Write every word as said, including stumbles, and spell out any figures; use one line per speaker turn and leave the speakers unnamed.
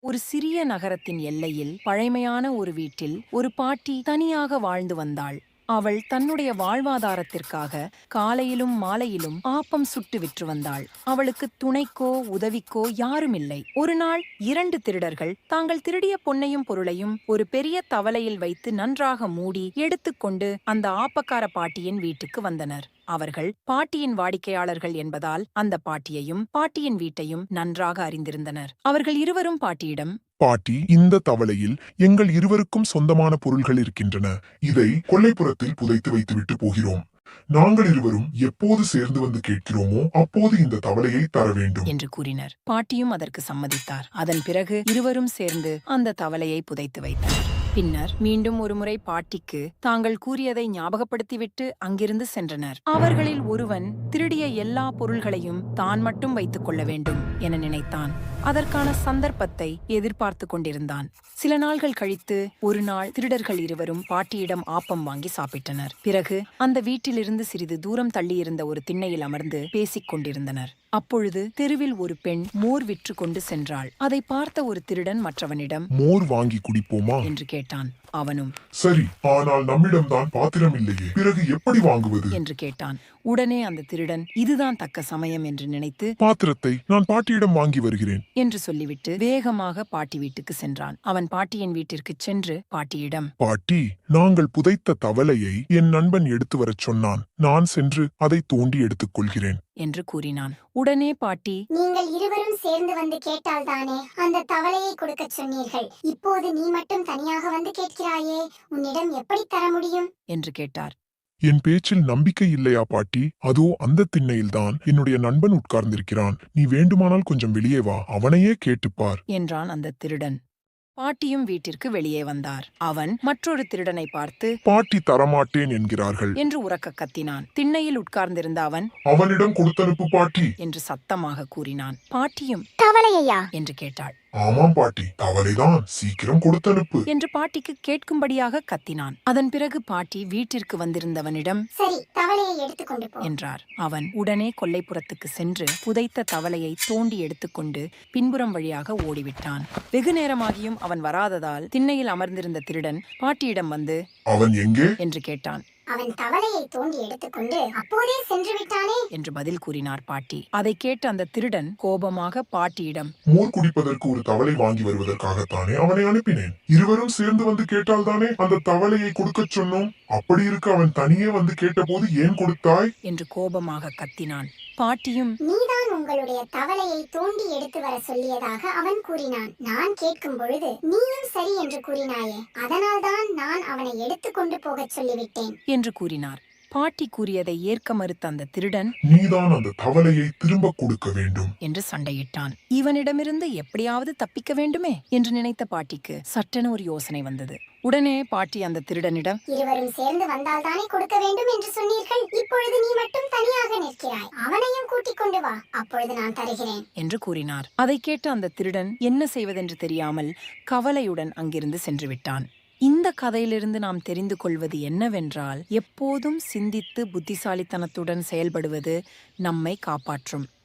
ஒரு சிறிய நகரத்தின் எல்லையில் பழைமையான ஒரு வீட்டில் ஒரு பாட்டி தனியாக வாழ்ந்து வந்தாள். அவள் தன்னுடைய வாழ்வாதாரத்திற்காக காலையிலும் மாலையிலும் ஆப்பம் சுட்டு விற்று வந்தாள். அவளுக்கு துணைக்கோ உதவிக்கோ யாருமில்லை. ஒரு நாள் இரண்டு திருடர்கள் தாங்கள் திருடிய பொன்னையும் பொருளையும் ஒரு பெரிய தவலையில் வைத்து நன்றாக மூடி எடுத்துக்கொண்டு அந்த ஆப்பக்கார பாட்டியின் வீட்டுக்கு வந்தனர். அவர்கள் பாட்டியின் வாடிக்கையாளர்கள் என்பதால் அந்த பாட்டியையும் பாட்டியின் வீட்டையும் நன்றாக அறிந்திருந்தனர். அவர்கள் இருவரும் பாட்டியிடம்,
பாட்டி, இந்த தவளையில் எங்கள் இருவருக்கும் சொந்தமான பொருள்கள் இருக்கின்றன. இதை கொல்லைப்புறத்தில் புதைத்து வைத்துவிட்டு போகிறோம். நாங்கள் இருவரும் எப்போது சேர்ந்து வந்து கேட்கிறோமோ அப்போது இந்த தவளையை தர வேண்டும்
என்று கூறினர். பாட்டியும் அதற்கு சம்மதித்தார். அதன் பிறகு இருவரும் சேர்ந்து அந்த தவளையை புதைத்து வைத்தனர். பின்னர் மீண்டும் ஒருமுறை பாட்டிக்கு தாங்கள் கூறியதை ஞாபகப்படுத்திவிட்டு அங்கிருந்து சென்றனர். அவர்களில் ஒருவன் திருடிய எல்லா பொருள்களையும் தான் மட்டும் வைத்துக் கொள்ள வேண்டும் என நினைத்தான். அதற்கான சந்தர்ப்பத்தை எதிர்பார்த்து கொண்டிருந்தான். சில நாள்கள் கழித்து ஒரு நாள் திருடர்கள் இருவரும் பாட்டியிடம் ஆப்பம் வாங்கி சாப்பிட்டனர். பிறகு அந்த வீட்டிலிருந்து சிறிது தூரம் தள்ளியிருந்த ஒரு திண்ணையில் அமர்ந்து பேசிக் கொண்டிருந்தனர். அப்பொழுது தெருவில் ஒரு பெண் மோர் விற்று கொண்டு சென்றாள். அதை பார்த்த ஒரு திருடன் மற்றவனிடம்,
மோர் வாங்கி குடிப்போமா
என்று கேட்டான். அவனும்,
சரி, ஆனால் நம்மிடம்தான் பாத்திரம் இல்லையே, பிறகு எப்படி வாங்குவது
என்று கேட்டான். உடனே அந்த திருடன் இதுதான் தக்க சமயம் என்று நினைத்து,
பாத்திரத்தை நான் பாட்டியிடம் வாங்கி வருகிறேன்
என்று சொல்லிவிட்டு வேகமாக பாட்டி வீட்டுக்கு சென்றான். அவன் பாட்டியின் வீட்டிற்கு சென்று பாட்டியிடம்,
பாட்டி, நாங்கள் புதைத்த தவளையை என் நண்பன் எடுத்து வரச் சொன்னான். நான் சென்று அதை தோண்டி எடுத்துக் கொள்கிறேன்
என்று கூறினான். உடனே பாட்டி,
நீங்கள் இருவரும் சேர்ந்து வந்து கேட்டால் தானே அந்த தவளையை கொடுக்க சொன்னீர்கள். இப்போது நீ மட்டும் தனியாக வந்து கேட்கிறாயே, உன்னிடம் எப்படி தர முடியும்
என்று கேட்டார்.
என் பேச்சில் நம்பிக்கை இல்லையா பாட்டி? அதோ அந்த திண்ணையில்தான் என்னுடைய நண்பன் உட்கார்ந்திருக்கிறான். நீ வேண்டுமானால் கொஞ்சம் வெளியே வா, அவனையே கேட்டுப்பார்
என்றான் அந்த திருடன். பாட்டியும் வீட்டிற்கு வெளியே வந்தார். அவன் மற்றொரு திருடனை பார்த்து,
பாட்டி தரமாட்டேன் என்கிறார்கள்
என்று உரக்க கத்தினான். திண்ணையில் உட்கார்ந்திருந்த அவன்,
அவனிடம் கொடுத்தனுப்பு பாட்டி
என்று சத்தமாக கூறினான். பாட்டியும்,
தவளையா
என்று கேட்டாள்.
ஆமாம் பாட்டி, தவளைதான், சீக்கிரம் கொடுத்தனுப்பு
என்று பாட்டிக்கு கேட்கும்படியாக கத்தினான். அதன் பிறகு பாட்டி வீட்டிற்கு வந்திருந்தவனிடம்,
சரி, தவளையை எடுத்துக்கொண்டு போ
என்றார். அவன் உடனே கொல்லைப்புறத்துக்கு சென்று புதைத்த தவளையை தோண்டி எடுத்துக்கொண்டு பின்புறம் வழியாக ஓடிவிட்டான். வெகு நேரமாகியும் அவன் வராததால் திண்ணையில் அமர்ந்திருந்த திருடன் பாட்டியிடம் வந்து,
அவன் எங்கே
என்று கேட்டான்.
அவன் தவளையை தோண்டி எடுத்துக்கொண்டு அப்போதே சென்று விட்டானே
என்று பதில் கூறினார் பாட்டி. அதை கேட்ட அந்த திருடன் கோபமாக பாட்டியிடம்,
மோர் குடிப்பதற்கு ஒரு தவளை வாங்கி வருவதற்காகத்தானே அவனை அனுப்பினேன். இருவரும் சேர்ந்து வந்து கேட்டால் தானே அந்த தவளையை கொடுக்கச் சொன்னோம். அப்படி இருக்க அவன் தனியே வந்து கேட்டபோது ஏன் கொடுத்தாய்
என்று கோபமாக கத்தினான். பாட்டியும்,
நீதான் உங்களுடைய தவளையை தோண்டி எடுத்து வர சொல்லியதாக அவன் கூறினான். நான் கேட்கும் பொழுது நீயும் சரி என்று கூறினாயே, அதனால்தான் நான் அவனை எடுத்துக்கொண்டு போகச் சொல்லிவிட்டேன்
என்று கூறினார். பாட்டி கூறியதை ஏற்க மறுத்த அந்த திருடன்,
நீதான் அந்த தவளையை திரும்ப கொடுக்க வேண்டும்
என்று சண்டையிட்டான். இவனிடமிருந்து எப்படியாவது தப்பிக்க வேண்டுமே என்று நினைத்த பாட்டிக்கு சட்டென ஒரு யோசனை வந்தது. உடனே பாட்டி அந்த திருடனிடம்,
இருவரும் சேர்ந்து வந்தால் தானே கொடுக்க வேண்டும் என்று சொன்னீர்கள். இப்பொழுது நீ மட்டும் தனியாக நிற்கிறாய். அவனையும் கூட்டிக் கொண்டு வா, அப்பொழுது நான் தருகிறேன்
என்று கூறினார். அதை கேட்ட அந்த திருடன் என்ன செய்வதென்று தெரியாமல் கவலையுடன் அங்கிருந்து சென்று விட்டான். இந்த கதையிலிருந்து நாம் தெரிந்து கொள்வது என்னவென்றால், எப்போதும் சிந்தித்து புத்திசாலித்தனத்துடன் செயல்படுவது நம்மை காப்பாற்றும்.